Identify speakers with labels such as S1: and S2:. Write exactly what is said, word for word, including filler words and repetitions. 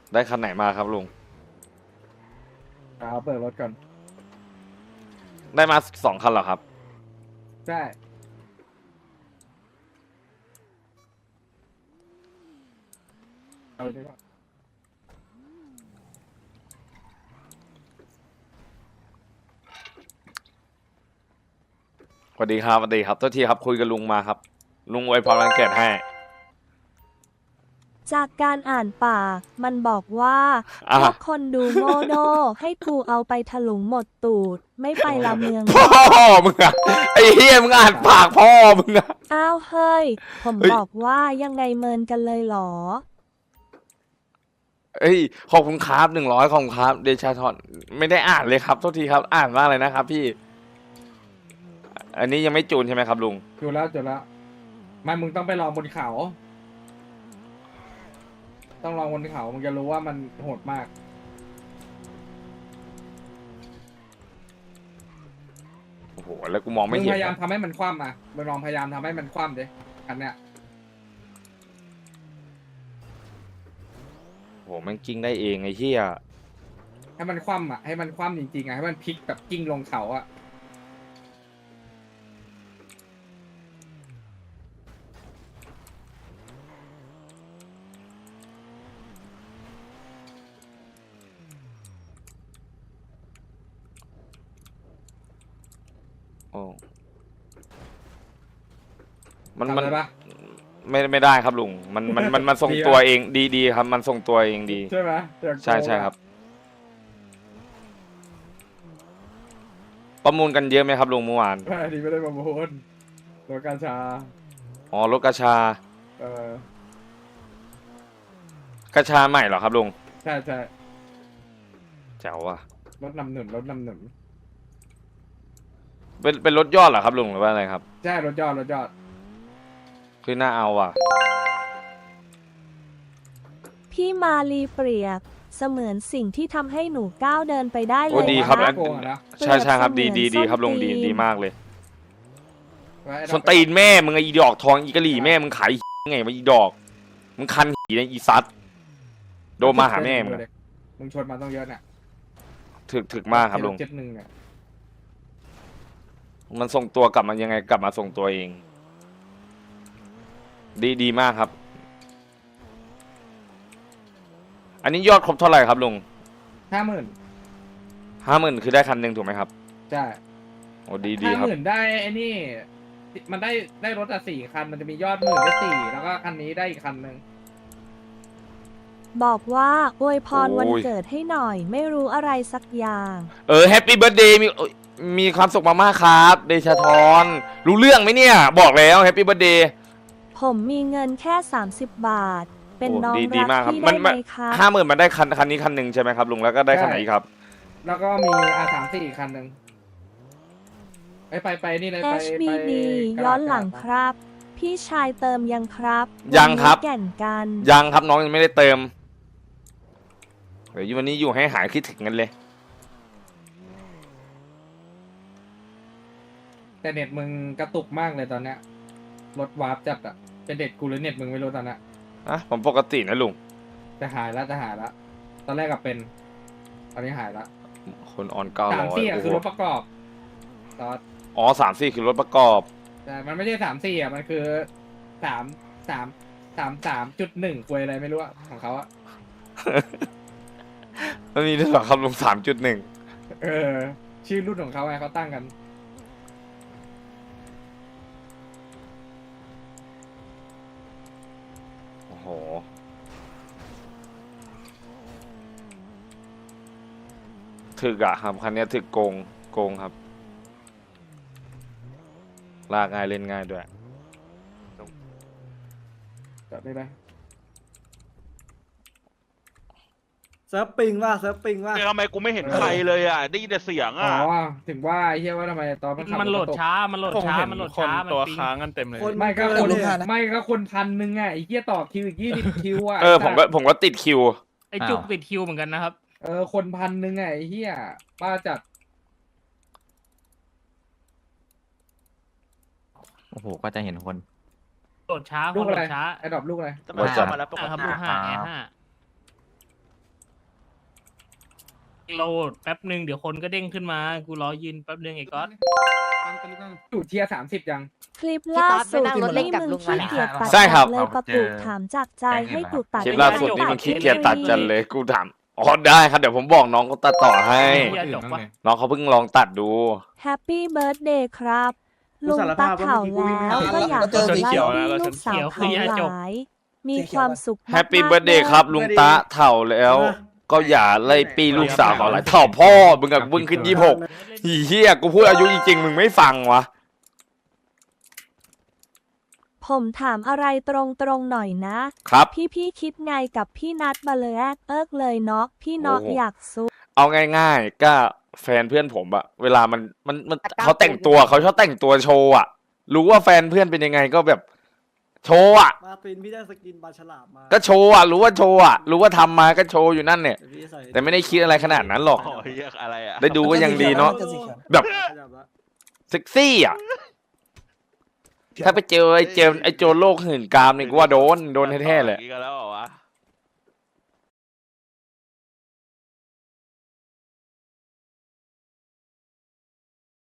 S1: ได้คันไหนมาครับลุง
S2: เอาเปิดรถก่อน
S1: ได้มาสองคันเหรอครับ
S2: ใช่เอาดีกว่า
S1: สวัสดีครับสวัสดีครับโทษทีครับคุยกับลุงมาครับลุงอวยพรวันเกิดให้
S3: จากการอ่านปากมันบอกว่า
S1: อ่ะ
S3: พวกคนดูโง่โดให้กูเอาไปถลุงหมดตูด ไม่ไปละเมือง
S1: พ่อมึงอะไอ้เฮียมึงอ่านปากพ่อมึงอะ
S3: อ้าวเฮ้ย ผม
S1: เฮ้ย
S3: บอกว่ายังไงเมินกันเลยเหรอ
S1: เอ้ยขอบคุณครับหนึ่งร้อยขอบคุณครับเดชาทอนไม่ได้อ่านเลยครับโทษทีครับอ่านว่าอะไรนะครับพี่ อันนี้ยังไม่จูนใช่ไหมครับลุง
S2: จุดแล้วจุดแล้วไม่มึงต้องไปลองบนเขา ต้องลองบนเขามึงจะรู้ว่ามันโหดมาก
S1: โอ้โหแล้วกูมอง
S2: มึ
S1: ไม่
S2: ง
S1: เห็น
S2: พยายาม
S1: อะ
S2: ทำให้มันคว่ำอ่ะมึงลองพยายามทำให้มันคว่ำดิอันเนี้ย
S1: โอ้โหมันกิ้งได้เองไอ้เฮีย
S2: ให้มันคว่ำอ่ะให้มันคว่ำจริงๆอ่ะให้มันพลิกแบบกิ้งลงเขาอ่ะ
S1: โอ้มัน
S2: ทำ
S1: มัน
S2: ได้ปะ
S1: ไม่ไม่ได้ครับลุงมันมันมันมันทรง
S2: ดีปะ
S1: ตัวเองดีดีครับ มันทรงตัวเองดี
S2: ใช่ไหมอยากโกง
S1: ใช่ใช่
S2: อะ
S1: ครับ ประมูลกันเยอะไหมครับลุงเมื่อวาน
S2: ไม่อันนี้ไม่ได้ประมูลตัวกาชา
S1: อ๋อรถกระชา
S2: เออก
S1: ระชาใหม่เหรอครับลุง
S2: ใช่ใช่
S1: แจ๋วว่ะ
S2: รถนำหนุนรถนำหนุน
S1: เป็นเป็นรถยอดเหรอครับลุงหรือว่าอะไรครับ
S2: ใช่รถยอดรถยอด
S1: คือน่าเอาว่ะ
S3: พี่มาลีเปรียบ เสมือนสิ่งที่ทำให้หนูก้าวเดินไปได้เล
S1: โอ้
S3: ย
S1: ดีครับ
S3: นะ
S1: อัน
S2: โกงอะนะ
S1: ใช่ใช่ครับดีดีดีครับลุงดีดีมากเลยสนตีนแม่มึงไอ้อีดอกทองอีกะหลี่แม่มึงขายไงมาอีดอกมึงคันหีในอีซัดโดนมาหาแม่มึงอะ
S2: มึงชนมาต้องเยอะน่ะ
S1: ถึกถึกมากครับลุง
S2: เจ็ดหนึ่งเนี่ย
S1: มันส่งตัวกลับมายังไงกลับมาส่งตัวเอง ดีดีมากครับ อันนี้ยอดครบเท่าไหร่ครับลุง
S2: ห้าหมื่น
S1: ห้าหมื่นคือได้คันหนึ่งถูกไหมครับ
S2: ใช่
S1: โอ้ดีดี
S2: ห้า
S1: ครับ
S2: หมื่นได้ไอ้นี่ มันได้ได้รถอะสี่คัน มันจะมียอดหมื่นได้สี่แล้วก็คันนี้ได้อีกคันหนึ่ง
S3: บอกว่าอวยพร
S1: โอ้ย
S3: วันเกิดให้หน่อย ไม่รู้อะไรสักอย่าง
S1: เออแฮปปี้เบิร์ดเดย์มีเอ้ยมีความสุขมากๆครับ เดชาทรรู้เรื่องไหมเนี่ย บอกแล้วแฮปปี้เบิร์ดเดย์
S3: ผมมีเงินแค่สามสิบบาท เป็น
S1: โอ้
S3: น้อง
S1: ดีดี
S3: รัก
S1: มากครับ
S3: พี่
S1: มั
S3: ได้
S1: น
S3: ไหม
S1: มัน
S3: ครับ
S1: ห้าหมื่นมันได้คันคันนี้คันหนึ่งใช่ไหมครับลุงแล้วก็ได้คันไหนอีกครับ
S2: แล้วก็มีอาสามสี่อีกคันหนึ่งไปไปไปนี่เลยไป
S3: เอช บี
S2: ไป
S3: ดี
S2: กระดาษ
S3: ย้อนหลัง
S2: กระดาษ
S3: ครับ พี่ชายเติมยังครับ
S1: ยังครับ
S3: วันนี้แก่นกัน
S1: ยังครับน้องยังไม่ได้เติมเดี๋ยววันนี้อยู่ให้หายคิดถึงกันเลย
S2: แต่เน็ตมึงกระตุกมากเลยตอนเนี้ยรถวาร์ปจัดอะเป็นเน็ตกูหรือเน็ตมึงไม่รู้ตอนเนี้ย
S1: อ่ะผมปกตินะลุง
S2: จะหายแล้วจะหายแล้วตอนแรกก็เป็น ตอนนี้หายแล้ว
S1: คนออนเก้า
S2: สาม
S1: ร้อย
S2: สี่อะคือรถประกอบตอน
S1: อ๋อสามสี่คือรถประกอบ
S2: แต่มันไม่ใช่สามสี่อะมันคือสามสามสามสามจุดหนึ่งควยอะไรไม่รู้อะของเขาอะ
S1: มันมีด้วยเหรอครับลุงสามจุดหนึ่ง
S2: เออ ชื่อรุ่นของเขาไงเขาตั้งกัน
S1: โอ้โหถึกอะครับคันนี้ถึกโกงโกงครับ ลากง่ายเล่นง่ายด้วย
S2: จอดได้ไหม
S4: เซิร์ฟปิงว่าเซิร์ฟปิงว่า
S5: ทำไมกูไม่เห็นใครเลยอ่ะ ได้ยินแต่เสียง
S2: อ๋
S5: อ่ะ
S2: อถึงว่าไอ้เหี้ยว่าทำไมตอนมันขับ
S6: มันโหลด
S2: รถกระตุก
S6: ช้า มันโหลดช้า มันโหลดช้า มันโหลดช้า มัน
S5: ตัว
S6: ปิง
S5: ค้างกันเต็มเลย
S4: คน
S2: ไม่ก็
S4: เกิ
S2: คน
S4: นเลยอะ
S2: ไม่ก็คนพันหนึ่งอ่ะไอ้เหี้ยต่อคิวอีกยี่สิบคิวอ่ะ
S1: เออผมก็ผมก็ติดคิว
S6: ไอจุกติดคิวเหมือนกันนะครับ
S2: เออคนพันหนึ่งอ่ะไอ้เหี้ยป้าจัด
S7: โอ้โห ก็จะเห็นคน
S6: โหลดช้า
S2: ลูก
S6: โหล
S2: อะไร
S6: ดช้า
S2: ไอ้ดอกลูกอะไร
S5: จะมาเข้ามาแล้วปก
S6: อ่ะครับ
S5: ติ
S6: ลูกห้าแอร์ห้าโหลดแป๊บหนึ่งเดี๋ยวคนก็เด้งขึ้นมา กูรอยืนแป๊บหนึ่งไอ้ก๊อต
S2: อยู่เทียสามสิบยัง
S3: คลิปล่าสุด
S8: พี่ต๊อดไปนั่งรถเล่น
S3: นี่
S8: กับ
S3: มึ
S8: ลุ
S3: ง
S8: งมา
S3: ขี้
S8: แล้ว
S3: เกียจตัด
S1: ใช่ครับ
S3: เลยปะกูถามจากใจให้กูตัด
S1: คลิปล่าสุดนี่มันขี้เกียจตัดจันเลยกูถามอ๋อได้ครับเดี๋ยวผมบอกน้องเขาตัดต่อให้
S6: อย่าจบวะ
S1: น้องเขาเพิ่งลองตัดดู
S3: แฮปปี้เบิร์ดเดย์ครับ ลุงตัดเข่าแล้วก็อยากจะไล่ที่ลูกสาวเขาหลาย มีความสุขมากๆ
S1: แฮปปี้เบิร์ดเดย์ครับลุงตะเถ่าแล้ว ก็อย่าไล่ปีลูกสาวเขาอะไรเถ่าพ่อมึงกับมึงขึ้นยี่สิบหกเฮียกูพูดอายุจริงๆมึงไม่ฟังวะ
S3: ผมถามอะไรตรงๆหน่อยนะครับ พี่พี่ๆคิดไงกับพี่นัดมาเลยแรกเอิกเลยเนาะพี่เนาะ
S1: โอ้โห
S3: อยากซุก
S1: เอาง่ายๆก็แฟนเพื่อนผมอะเวลามันมันมันเขาแต่งตัวเขาชอบแต่งตัวโชว์อะรู้ว่าแฟนเพื่อนเป็นยังไงก็แบบโชว์อะ
S4: มาตินพี่ได้สกินปลาฉลามมา
S1: ก็โชว์อะรู้ว่าโชว์อะรู้ว่าทำมาก็โชว์อยู่นั่นเนี่ย
S4: เดี๋ยวพี่ใส่
S1: แต่ไม่ได้คิดอะไรขนาดนั้นหรอก
S5: โอ้ยอะไรอ่ะ
S1: ได้ดูก็ยังดีเนาะแบบ
S4: ขยับละ
S1: เซ็กซี่อะถ้าไปเจอไอ้เจมไอ้โจรโลกหื่นกามนี่กูว่าโดนโดนแท้ๆเลย
S5: อย่างนี้กันแล้วเหรอวะ